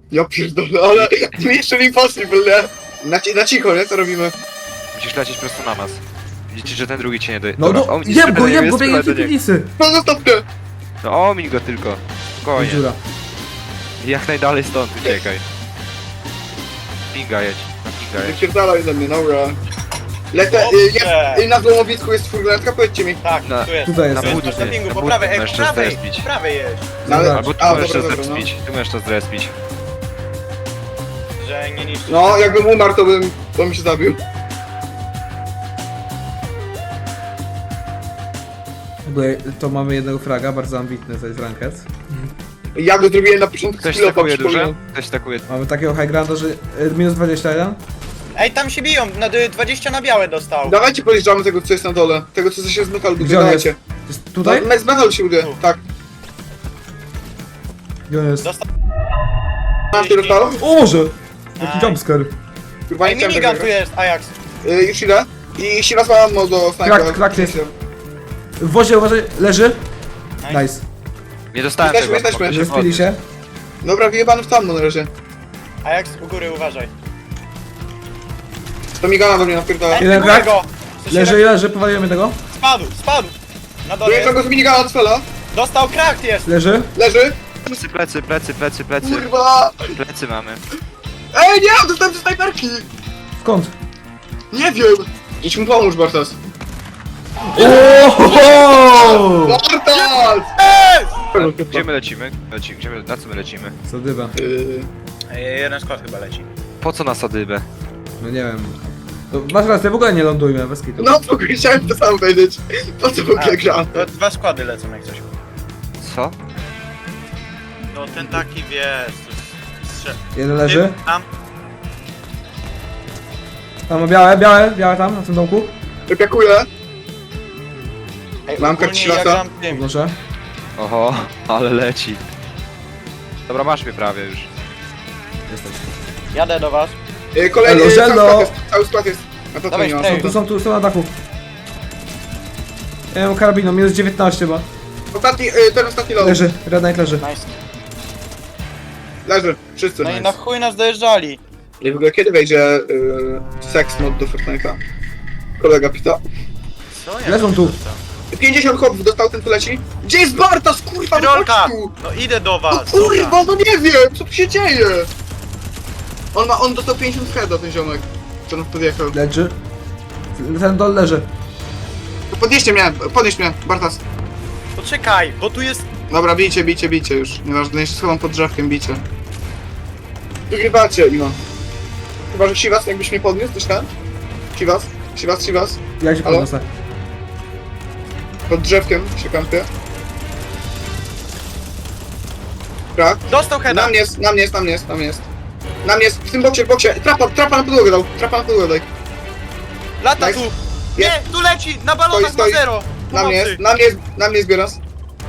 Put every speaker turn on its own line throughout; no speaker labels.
Ja pierdolę, ale Mission Impossible, nie? Na cicho, nie? Co robimy?
Musisz lecieć prosto na nas. Widzicie, że ten drugi cię nie doje.
No no, jem go, biegnie w tej piwnicy.
No zostaw mnie!
No omiń go tylko. Spokojnie.
Dziura.
Jak najdalej stąd uciekaj. Pinga jedź. Na pinga jedź.
Wypierdalaj ze mnie, dobra. Lecę, na złomowisku jest furgonetka, powiedzcie mi.
Tak,
No.
tu jest.
Tutaj jest.
Na
Tu
budce,
jest na pingu,
na
po
budce
prawej,
możesz
po
to
prawej,
zrespić.
po prawej jest.
No, ale-
Albo tu
a,
możesz to
dobra, dobra,
zrespić. Tu możesz to zrespić.
Że nie niszczy.
No, jakbym umarł, to bym się zabił.
Tutaj to mamy jednego fraga, bardzo ambitny, to jest ranked.
Ja go zrobiłem na początku
Ktoś
skillopa,
takuje duże?
przypominam.
Ktoś takuje...
Mamy takiego high grounda, że minus 21.
Ej, tam się biją, na 20 na białe dostał.
Dawajcie podjeżdżamy tego, co jest na dole. Tego, co się z metalu buduje,
Gdzie on jest?
dawajcie.
Jest tutaj?
No, z metalu się buduje,
Tu.
tak.
Gdzie on jest?
Dostał.
Masz ty dostał?
O Boże! Jaki
Aj.
jumpscare.
Kurwa,
Ej,
nie chciałem
minigun
tego
tu jest, Ajax.
Już idę. I się nazwałem do snajpera.
Krak jest. W wozie uważaj, leży. Nice.
Nie dostałem
Jesteśmy,
tego.
jesteśmy.
mogę się
Zespili się.
Dobra, wyjebany w tammo na razie.
Ajax, u góry uważaj.
To migana do mnie napierdala.
Ej,
Jeden
próbuję
krak.
go. W sensie
Leży, powalimy tego.
Spadł. Na dole
Dojeżdżam
jest.
go z minigana od Fela.
Dostał, krakt jest.
Leży.
Leży.
Plecy.
Kurwa.
Plecy mamy.
Ej, nie, dostałem ze snajperki.
Skąd?
Nie wiem. Idź mu pomóż, Bartas.
Ohoho!
Bartas!
Gdzie my lecimy? Na co my lecimy?
Sadyba.
Ej, jeden skład chyba leci.
Po co na sadybę?
No nie wiem. To masz rację, w ogóle nie lądujmy, bez kitu.
No, w ogóle chciałem to samo powiedzieć. Po co w ogóle gram?
To 2 składy lecą jak coś.
Co?
No ten taki wiesz,
Jeden leży.
Tam.
Tam ma białe tam, na tym domku.
Wypiakuję.
Ej,
Mam
ogólnie
kartę
ja
ślasa.
gram tym.
Proszę.
Oho, ale leci. Dobra, masz mnie prawie już.
Jesteś.
Jadę do was.
Kolejny,
Elo, żelo.
cały skład jest. A to
Dawaj,
nie ma.
spray.
Tu są na dachu. Ja mam karabinu, minus 19 ma.
Ten ostatni low.
Leży, Red Knight leży.
Nice.
Leży. Wszyscy.
No i na chuj nas dojeżdżali.
I w ogóle kiedy wejdzie seks mod do Fortnite'a? Kolega pyta.
Co ja
Leżą tu.
50 chłopów dostał, ten tu leci. Gdzie jest Bartas, kurwa, no
Rolka!
chodź tu!
No idę do
No
was.
kurwa, no nie wiem, co tu się dzieje? On dostał 50 heada, ten ziomek. Co nas podjechał.
Leży. Ten dol leży.
To podnieś mnie, Bartas.
Poczekaj, bo tu jest...
Dobra, bijcie już. Nieważne, jeszcze schowam pod drzewkiem, bijcie. Wygrywacie, Imo. Chyba, że Siwas jakbyś mnie podniósł, coś tam? Siwas.
Ja się
Halo?
podniosę.
Pod drzewkiem się kampię. Krak.
Dostał heada.
Na mnie jest, w tym boksie. Trapa na podłogę daj.
Lata
Nice.
tu. Nie, tu leci, na balonach
Stoi.
ma zero. Pomocy.
Na mnie zbieras.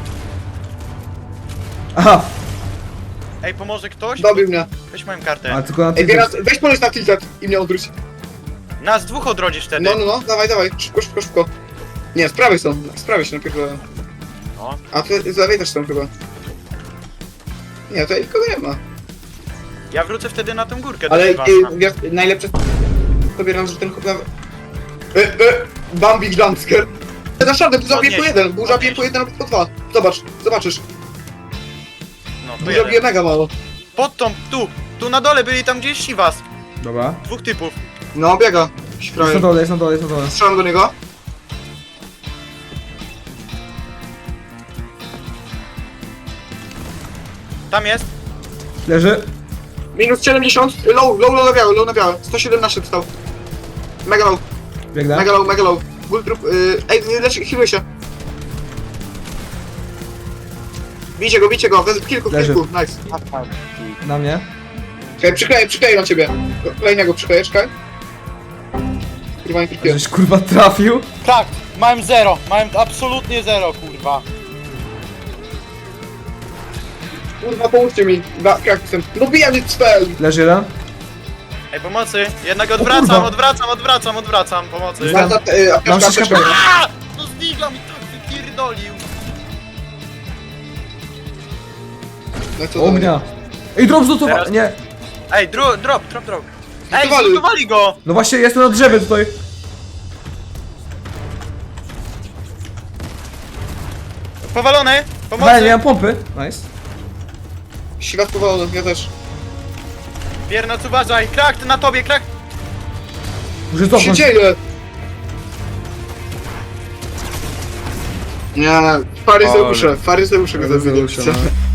Aha!
Ej, pomoże ktoś?
Dobił mnie.
Weź moją kartę.
A tylko na
Ej,
tym.
Bieras, weź poleć na tilted i mnie odwróć.
Nas dwóch odrodzisz wtedy.
No, dawaj, szybko. Nie, z prawej się najpierw.
No.
A ty z lewej też są chyba. Nie, tutaj nikogo nie ma.
Ja wrócę wtedy na tę górkę
Ale
do was.
najlepsze pobieram, że ten chłop na... Bambi jumpscare. Zaszardę, burza bije po jeden, burza bije po jeden albo po dwa. Zobaczysz.
No, to
Burza
jeden.
bije mega mało.
Pod tą, tu na dole byli tam gdzieś Siwas.
Dobra.
2 typów.
No, biega.
Jest na dole, jest na dole.
Strzelam do niego.
Tam jest.
Leży.
Minus 70, low na białe. 117 dostał. Mega low.
Biegnę.
Mega low. Bull trup, ej, healuj się. Bijcie go, w kilku,
Leży.
nice.
Na mnie.
Czekaj, przykleję na ciebie. Kolejnego przykleję, czekaj. Kurwa, nie trafiłem.
Żeś kurwa trafił.
Tak, mam zero. Mam absolutnie zero, kurwa.
Kurwa, pomóżcie mi. Kraksem. No bijam mnie spell.
Leży jeden.
Ej, pomocy. Jednak
kurwa.
odwracam. Pomocy.
Znam. Mam
Apteczka.
6
A! No zdigla mi tak wypierdolił.
No co to
Ognia. Ej, drop zlutowany,
Teraz-
nie.
Ej, drop. Ej,
Zlutowali.
zlutowali go!
No właśnie, jestem na drzewie tutaj.
Powalony!
Ale
Pomocy!
nie mam pompy. Nice.
Świat powolony, ja też.
Biernoc, uważaj! Krak, na tobie, krak!
Muszę
Co się
cofnąć.
dzieje? Nie, faryzeusze go
Faryzeusze,
zabiję.
no.